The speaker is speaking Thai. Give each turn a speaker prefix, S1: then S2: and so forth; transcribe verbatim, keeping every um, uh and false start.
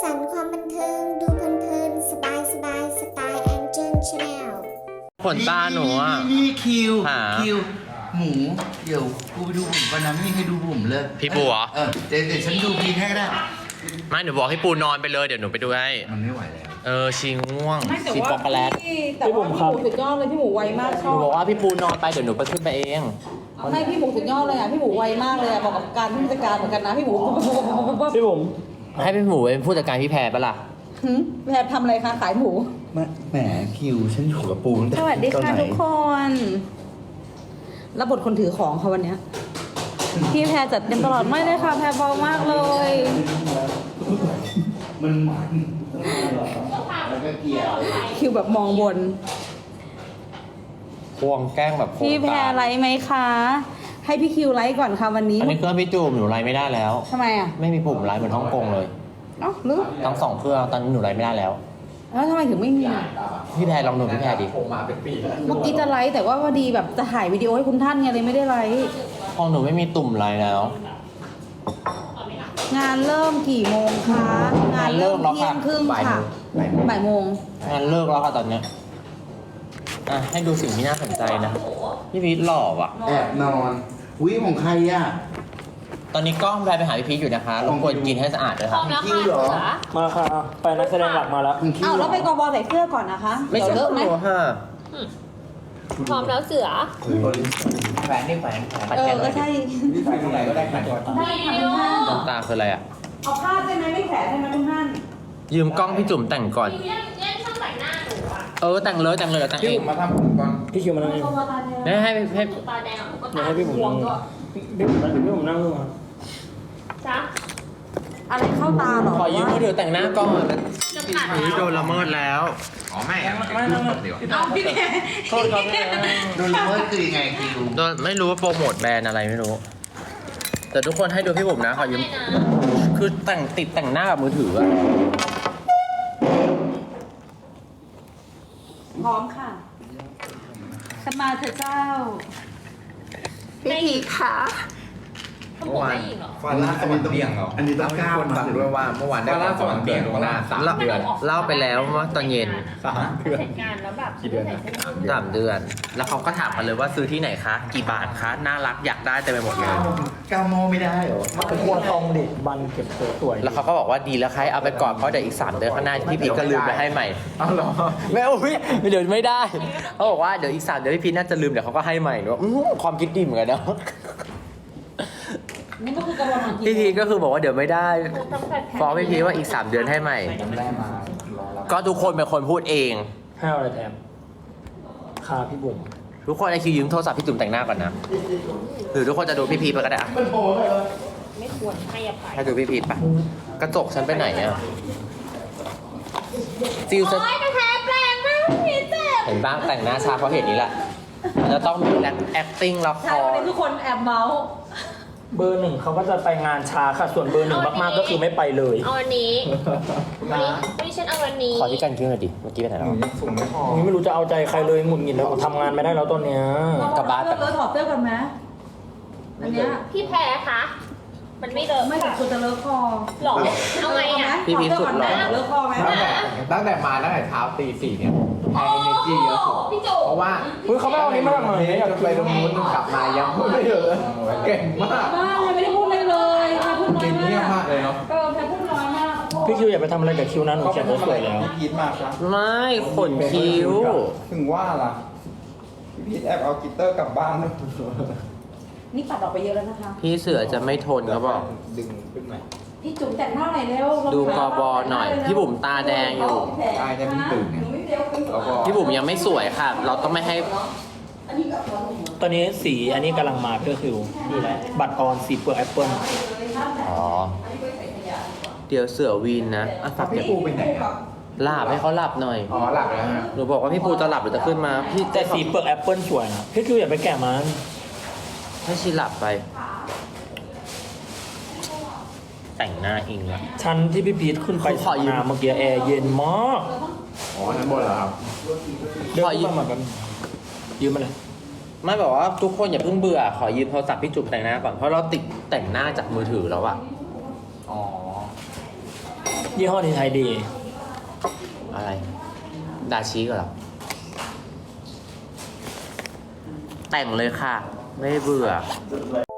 S1: สรรค์ความบันเทิงดูเพลินๆสบายสบายสไตล์แองเจิลชาแนล
S2: ขนตาหนูอ่ะ
S3: นี่คิว
S2: หา
S3: คิวหมูเดี๋ยวกูไปดูผมก่อนนะไม่มีใครดูผมเลย
S2: พี่ปูเหรอ
S3: เออเดี๋ยวเดี๋ยวฉันดูพีให้ก็ได้
S2: ไม่หนูบอกให้ปูนอนไปเลยเดี๋ยวหนูไปดูให้
S3: มันไม่ไหวแล้ว
S2: เออชิงง่วง
S4: ไม่แต่
S2: ชิ
S4: ว่า
S2: ช็อกโกแลต
S4: พี่แต่ว่าพี่หมูสุดยอดเลยพี่หมูไวมากช
S2: ห
S4: อ
S2: นู
S4: บ
S2: บอกว่าพี่ปูนอนไปเดี๋ยวหนูไปขึ้นไปเอง
S4: ไม่พี่หมูสุดยอดเลยอ่ะพี่หมูไวมากเลยอ่ะบอกกับการผู้จัดการเหมือนกันนะพี่หมู
S5: พี่ผม
S2: ให้พี่หมูเป็นผู้จัดการพี่แพรปะล่ะ
S4: หึแพรทำอะไรคะขายหมู
S3: แหมคิวฉันอยู่กับปูตั้งแต่
S4: สวัสดี
S3: ตอน
S4: ค่ะ
S3: ไหน
S4: ทุกคนรับบทคนถือของค่ะวันเนี้ยพี่แพรจัดเต็มตลอดไม่เลยค่ะแพรเบามากเลย
S3: มันมันแล้วก็เกี่ยว
S4: คิวแบบมองบน
S2: ควงแกล้งแบบโครง
S4: พี่แพร
S2: การ
S4: ไลฟ์ไหมคะ ให้พี่คิวไลฟ์ก่อนค่ะวันนี้
S2: อันนี้เครื่องพี่จูมหนูไลฟ์ไม่ได้แล้ว
S4: ทำไมอ่ะ
S2: ไม่มีปุ่มไลฟ์เหมือนฮ่องกงเลย
S4: เอ้าหรือ
S2: ทั้งสองเครื่องตอนนี้หนูไลฟ์ไม่ได้แล้ว
S4: แล้วทำไมถึงไม่มีอ่ะ
S2: พี่แพรลองดูพี่แพรดิ
S4: เมื่อกี้จะไลฟ์แต่ว่าพอดีแบบจะถ่ายวิดีโอให้คุณท่านไงเลยไม่ได้ไลฟ์
S2: ของหนูไม่มีตุ่มไลฟ์แล้ว
S4: งานเริ่มกี่โมงคะงานเริ่มเที่ยงครึ่งค่ะบ่ายโมง
S2: งานเลิกแล้วค่ะตอนเนี้ยอ่ะให้ดูสิ่งที่น่าสนใจนะพี่พีทหล่อว่ะ
S3: แอบนอนอุ้ยของใครอ่ะ
S2: ตอนนี้กล้องแพรไปหาพี่พีทอยู่นะคะรบกวนกินให้สะอาดด้วย
S6: พร้
S2: ค่ะ
S6: อมแล้ว
S3: คิว
S6: ค่ะ
S3: เหรอ
S6: จ๋า
S5: มาค่ะ ไปนักแสดงหลักมาแล้ว
S3: คุณคิว
S4: อ้าว
S3: เหร
S4: แล้
S3: อ
S4: วไปกบใส่เสื้อก่อนนะคะ
S2: ไม่
S4: เดี๋ยว
S2: ใช่
S4: เลอะไหม
S2: หนูค่ะ
S6: พร้อมแล้วเสือ
S3: แฝงนี่แฝงแฝง
S4: เออก็ใช่
S3: แฝงตรงไหนก็ได้แฝงก่อน
S4: ได้ค่ะคุณท่าน
S2: น้ำตาคืออะไรอ่ะ
S4: เอาผ้าได้ไหมไม่แผลได้ไหมคุณท่าน
S2: ยืมกล้องพี่จุ๋มแต่งก่อน
S6: ยังยังช่างแต่งหน้าหนูอ่ะ
S2: เออแต่งเลยแต่งเลยเดี๋ยวแต่ง
S3: พี่
S2: เอ
S3: ผ
S2: ง
S3: มมาทำผมก่อน
S5: พี่คิวมานั่งนี่
S2: ให้ให้ให้
S6: ตาแดงหนูก็
S5: เดี๋ยว
S6: ตา
S5: ให้พี่ผม
S6: บว
S5: นั่
S6: ม
S5: ง
S6: ด้วย
S5: พี่ผมนั่งพี่ผมนั่งนู่นมา
S6: จ้า
S4: อะไรเข้าตาเหรอ
S2: ขอยืมมือถือแต่งหน้าก่อน
S6: จะกัด
S2: พี่โดนละเมิดแล้ว
S3: อ๋อไม่อะ
S5: ไม่นั่งนั่ง
S4: เอาพี่แพร
S5: โทษครับพี่
S3: โดนละเมิดคือยังไงคิว
S2: โดนไม่รู้ว่าโปรโมทแบรนด์อะไรไม่รู้ แต่ทุกคนให้ดูพี่ผมนะขอยืม
S6: ไม่นะ
S2: คือแต่งติดแต่งหน้ากับมือถืออะ
S4: พร้อมค่ะสมาเธอเจ้าพี่ทีค่ะ
S6: เขาบอกได้อีกเหรอ
S3: ฟาร่าสวรรค์เบี่ยงเหรออันนี้ต้องก้าวฟังด้วยว่าเมื่อวานได้สวรรค์เบี่ยงล่วงหน้าสามเดือน
S2: เล่าไปแล้วว่าตอนเย็น
S3: สามเดือน
S6: เสร็จงานแล้วแบบกี่เดือนนะ
S2: สามเดือน แล้วเขาก็ถามกันเลยว่าซื้อที่ไหนคะ กี่บาทคะ น่ารักอยากได้เต็มไปหมดเลย
S3: ก้าวโมไม่ได้เหรอ
S5: เป็นควงทองดิบันเก็บสวยๆ
S2: แล้วเขาก็บอกว่าดีแล้วใครเอาไปก่อนเพราะเดี๋ยวอีกสามเดือนข้างหน้าพี่พีทก็ลืมไปให้ใหม่
S3: เอาเหรอ
S2: แม่อุ้ยเดี๋ยวไม่ได้ เขาบอกว่าเดี๋ยวอีกสามเดือนพี่พีทน่าจะลืมเดี๋ยวเขาก็ให้ใหม่เนอะอื้อความคิดดีเหมือนกันเนาะ
S4: นี่ก็คือกระบวนการ
S2: พี่พีทก็คือบอกว่าเดี๋ยวไม่ได้
S6: ต้องแฟน
S2: ฟ้องพี่พีทว่าอีกสามเดือนให้ใหม่
S3: แม่มารอรับ
S2: ก็ทุกคนเป็นคนพูดเอง
S5: ให้เอาอะไรแถมคาพี่บุ๋ม
S2: ทุกคนไอคิวยืมโทรศัพท์พี่จุ๋มแต่งหน้าก่อนนะ หรือทุกคนจะดูพี่พีทไปก็ได้อะ
S6: ไม่ควรให้อภัย
S2: ให้ดูพี่พีทปะกระจกฉันไปไหนอะซิลจะ
S6: โอ๊ยกระแทกแรงมากพี่เจ็บ
S2: เห็นบ้างแต่งหน้าช้าเพราะเหตุนี้แหละจะต้องมี acting ละค
S4: ใช่วัน
S2: ร
S4: นี้ทุกคนแอบเมาส์
S5: เบอร์หนึ่งเขาก็จะไปงานช้าค่ะ ส่วนเบอร์หนึ่งมากๆก็คือไม่ไปเลย
S6: เอาวันนี้วันนี้วันนี้ฉันเอาวันนี้
S2: ขอที่กันคิ้วหน่อยดิ เมื่อกี้ไปไหนแล้ว
S3: สูงไม่พอ
S5: นี่ไม่รู้จะเอาใจใครเลยหงุดหงิดแล้วทำงานไม่ได้แล้วตอนเนี้ย
S2: กลับบ้านแบบ
S4: เออถอดเสื้อกันไหมอันเนี้ย
S6: พี่แพ้คะมันไม่เลอะ
S4: ไม่
S6: ค่ะ
S4: คุณจะเลอะคอ
S6: หรอเอาไงอ่ะ
S2: พี่พีชสุดหล่อ
S4: เลอะคอไหม
S7: ตั้งแต่ตั้งแต่มาตั้งแต่เช้าตีสี่เนี่ยแพงเอเนจีเยอะสุด
S6: พี่จุ๋
S7: เพราะว่า
S5: เฮ้ยเขาไม่เอาอันนี้มาทำไม
S7: จนไปตรงนู้นกลับมายังพูดไม่เยอะเก่งมาก
S4: บ้าเลยไม่ได้พูดเลยเลยแค่พูดน้อย
S7: เก่ง
S4: มา
S7: เงียบ
S4: ก
S7: มากเลยเนาะ
S4: เออแค่พูดน้อยมาก
S5: พี่คิวอย่าไปทำอะไรกับคิวนะหนูเขียนสวยๆแล้ว
S7: พี่พีทมาครับ
S2: ไม่ขนคิ้ว
S7: ถึงว่าล่ะพี่พีทแอบเอากิตเตอร์กลับบ้านด้วย
S4: นี่ตัดออกไปเยอะแล้วนะคะ
S2: พี่เสือจะไม่ทนเขาบอก
S7: ดึงขึ้นมา
S4: พี่จุ๋มแต่งหน้าหน่อยเร็ว
S2: ดูกบหน่อยพี่บุ๋มตาแดงอยู่
S7: ได้ได้เพิ่งตื่นไงแล้วก็
S2: พี่บุ๋มยังไม่สวยค่ะ เราต้องไม่ให้
S5: ตอนนี้สีอันนี้กำลังมาก็คือนี่แหละบัตรออนสีเปลือกแอปเปิ้ล
S2: อ๋อ เดี๋ยวเสือวีนนะอ่ะฝาก
S7: พี่
S2: เดี๋ยว
S7: ปูไปไหนอ่ะ
S2: หลับให้เขาหลับหน่อย
S7: อ๋อหลับแล้วฮะ
S2: หนูบอกว่าพี่ปูจะหลับหรือจะขึ้นมา พี่
S5: แต่สีเปลือกแอปเปิ้ลสวยนะพี่คิวอย่าไปแกะมัน
S2: ให้ชีหลับไป แต่งหน้าอิงละ
S5: ชั้นที่พี่พีทขึ้นไป
S2: ขอยืม
S5: น้ำเมื่อกี้แอร์เย็นมาก
S7: อ๋อชั้นบนเหรอครับ
S5: เดินขึ้นมาเหมือนกันยืมมาเลย
S2: ไม่บอกว่าทุกคนอย่าเพิ่งเบื่อ ขอยืมโทรศัพท์พี่จุ๋มแต่งหน้าก่อน เพราะเราติดแต่งหน้าจากมือถือแล้วอะ
S7: อ๋อ
S5: ยี่ห้อนี้ใช้ดี
S2: อะไร ดาชิก็เหรอ แต่งเลยค่ะ ไม่เบื่อ